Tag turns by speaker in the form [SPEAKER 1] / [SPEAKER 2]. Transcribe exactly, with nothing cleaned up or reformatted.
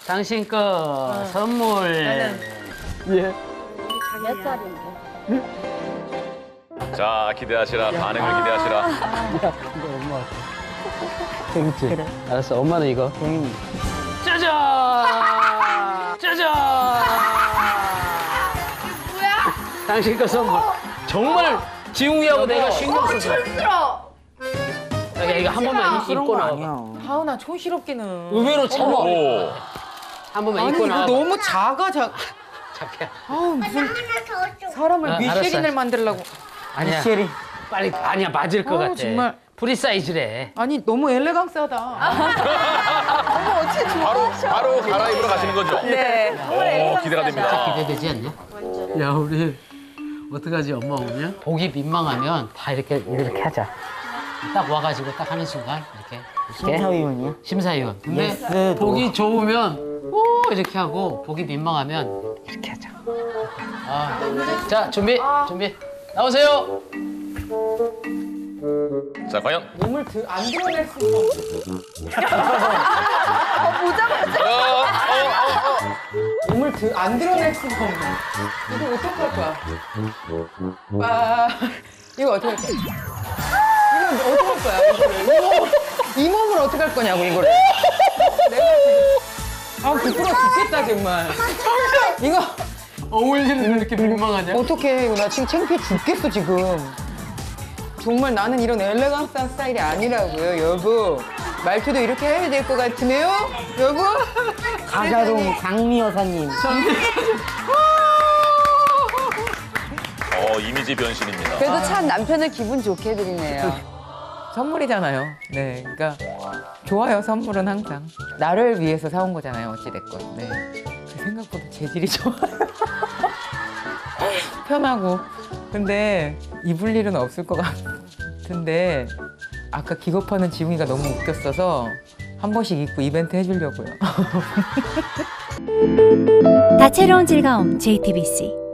[SPEAKER 1] 당신 거 선물.
[SPEAKER 2] 예.
[SPEAKER 3] 몇 살인데?
[SPEAKER 4] 자, 기대하시라. 반응을 기대하시라.
[SPEAKER 2] 야, 이거 엄마. 재밌지? 그래. 알았어, 엄마는 이거. 응.
[SPEAKER 1] 짜잔! 짜잔!
[SPEAKER 3] 뭐야?
[SPEAKER 1] 당신 거 선물. 정말 지웅이하고 내가 신경 써서.
[SPEAKER 3] 힘들어.
[SPEAKER 1] 야, 이거 한 번만 입- 입고 나와.
[SPEAKER 5] 하은아 촌스럽기는.
[SPEAKER 1] 의외로 참.
[SPEAKER 4] 오.
[SPEAKER 1] 한 번만
[SPEAKER 5] 아니
[SPEAKER 1] 입고
[SPEAKER 5] 이거
[SPEAKER 1] 나와.
[SPEAKER 5] 너무 작아 작.
[SPEAKER 1] 자기야.
[SPEAKER 5] 아우 무슨 사람을
[SPEAKER 1] 아,
[SPEAKER 5] 미쉐린을
[SPEAKER 1] 알았어.
[SPEAKER 5] 만들려고.
[SPEAKER 1] 아니야.
[SPEAKER 5] 미쉐린.
[SPEAKER 1] 빨리 아니야 맞을 것
[SPEAKER 5] 어,
[SPEAKER 1] 같아.
[SPEAKER 5] 정말.
[SPEAKER 1] 프리 사이즈래.
[SPEAKER 5] 아니 너무 엘레강스하다. 어머 어째 좋아.
[SPEAKER 4] 바로, 바로 갈아입으러 가시는 거죠?
[SPEAKER 5] 네.
[SPEAKER 4] 오, 기대가 됩니다.
[SPEAKER 1] 기대되지 않냐? 야 우리 어떡하지 엄마 오면? 보기 민망하면 다 이렇게 이렇게 하자. 딱 와가지고 딱 하는 순간 이렇게
[SPEAKER 2] 심사위원이요?
[SPEAKER 1] 심사위원. 근데
[SPEAKER 2] 예스,
[SPEAKER 1] 보기 좋으면 오 이렇게 하고 보기 민망하면 이렇게 하자. 아, 자 준비 준비 나오세요.
[SPEAKER 4] 자, 과연?
[SPEAKER 5] 몸을 드, 안 드러낼 수 있어.
[SPEAKER 4] 어, 어, 어, 어.
[SPEAKER 5] 몸을 드, 안 드러낼 수가 없네. 이거 어떡할 거야? 와, 이거 어떡할 거야? 이거 어떡할 거야? 이거를. 이, 이 몸을 어떡할 거냐고 이거를. 내가 지금 아 부끄러워 죽겠다 정말. 이거
[SPEAKER 1] 어울리는 이렇게 민망하냐?
[SPEAKER 5] 어떡해 이거 나 지금 창피해 죽겠어 지금. 정말 나는 이런 엘레강스한 스타일이 아니라고요 여보. 말투도 이렇게 해야 될 것 같으네요 여보.
[SPEAKER 2] 가자동 장미 여사님.
[SPEAKER 4] 어, 이미지 변신입니다.
[SPEAKER 6] 그래도 참 남편을 기분 좋게 해드리네요.
[SPEAKER 5] 선물이잖아요. 네, 그러니까 좋아요. 선물은 항상 나를 위해서 사온 거잖아요. 어찌 됐건. 네, 그 생각보다 재질이 좋아요. 편하고. 근데 입을 일은 없을 것 같은데 아까 기겁하는 지웅이가 너무 웃겼어서 한 번씩 입고 이벤트 해주려고요.
[SPEAKER 7] 다채로운 즐거움 제이티비씨